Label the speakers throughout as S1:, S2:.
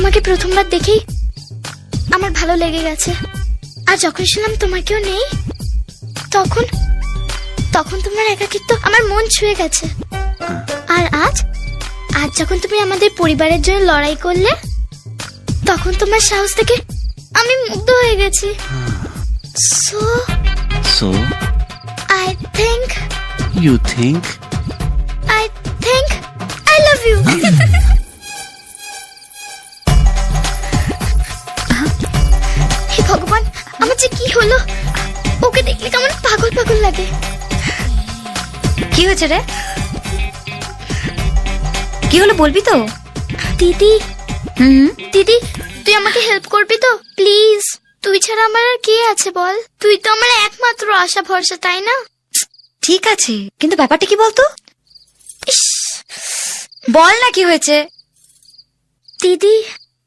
S1: তোমাকে প্রথমবার দেখেই আমার ভালো লেগে গেছে। আর যখন শুনলাম তোমার কেউ নেই, তখন তখন তোমার একাকিত্ব আমার মন ছুঁয়ে গেছে। আর আজ আজ যখন তুমি আমাদের পরিবারের জন্য লড়াই করলে, তখন তোমার সাহস থেকে আমি মুগ্ধ হয়ে গেছি।
S2: So
S1: I think
S2: you think
S1: I love you. হে ভগবান, আমার যে কি হলো! ওকে দেখলে কেমন পাগল পাগল লাগে।
S3: কি হয়েছে রে? কি হলো বলবি তো?
S1: দিদি, দিদি তুই আমাকে হেল্প করবি তো প্লিজ? তুই ছাড়া আমার আর কে আছে বল? তুই তো আমার একমাত্র আশা ভরসা, তাই না?
S3: ঠিক আছে, কিন্তু ব্যাপারটা কি বলতো?
S1: ইস,
S3: বল না কি হয়েছে।
S1: দিদি,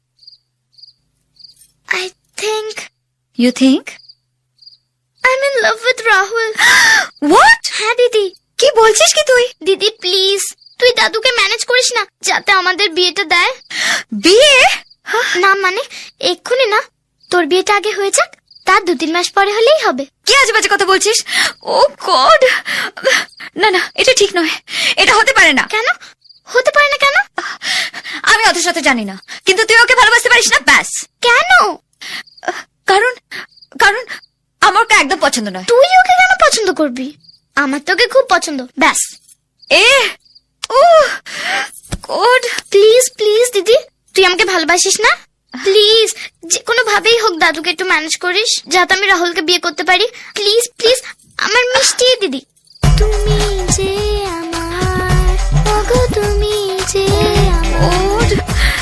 S1: I think
S3: You think?
S1: I'm in love with Rahul.
S3: What?
S1: হ্যাঁ দিদি।
S3: কি বলছিস কি তুই?
S1: দিদি প্লিজ তুই দাদুকে ম্যানেজ করিস না, যাতে আমাদের বিয়েটা দেয়।
S3: বিয়ে?
S1: না মানে এক্ষুনি না, তোর বিয়েটা আগে হয়ে যাক, তার 2-3 মাস পরে হলেই হবে।
S3: কি আজে বাজে কথা বলছিস? ও গড, না না, এটা ঠিক নয়, এটা হতে পারে না।
S1: কেন হতে পারে না? কেন?
S3: আমি অত সাথে জানি না, কিন্তু তুই ওকে ভালোবাসতে পারিস না, ব্যাস।
S1: কেন?
S3: কারণ কারণ আমার ওকে একদম পছন্দ নয়।
S1: তুই ওকে কেন পছন্দ করবি? আমার তোকে খুব পছন্দ, ব্যাস।
S3: ও গড,
S1: প্লিজ প্লিজ দিদি, তুই আমাকে ভালোবাসিস না? প্লিজ যে কোনো ভাবেই হোক দাদুকে একটু ম্যানেজ করিস, যাতে আমি রাহুলকে বিয়ে করতে পারি। প্লিজ প্লিজ আমার মিষ্টি দিদি। তুমি যে আমার, ওগো তুমি যে আমার।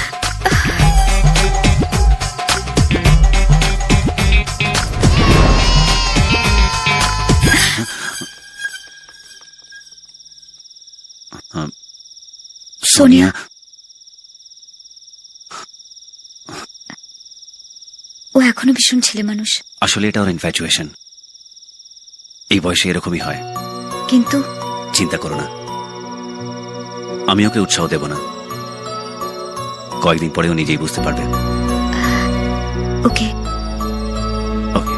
S3: সোনিয়া, ও এখনো ভীষণ ছেলে মানুষ।
S2: আসলে এটা ওর ইনফ্যাচুয়েশন, এই বয়সে এরকমই হয়।
S3: কিন্তু
S2: চিন্তা করো না, আমি ওকে উৎসাহ দেব না, কয়েকদিন পরে ও নিজেই বুঝতে পারবে।
S3: ওকে,
S2: ওকে।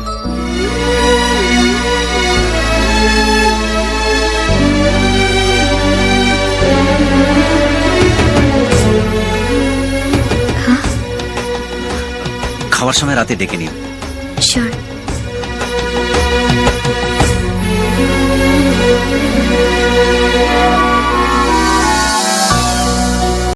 S2: খাওয়ার সময় রাতে ডেকে নিও।
S3: শিওর।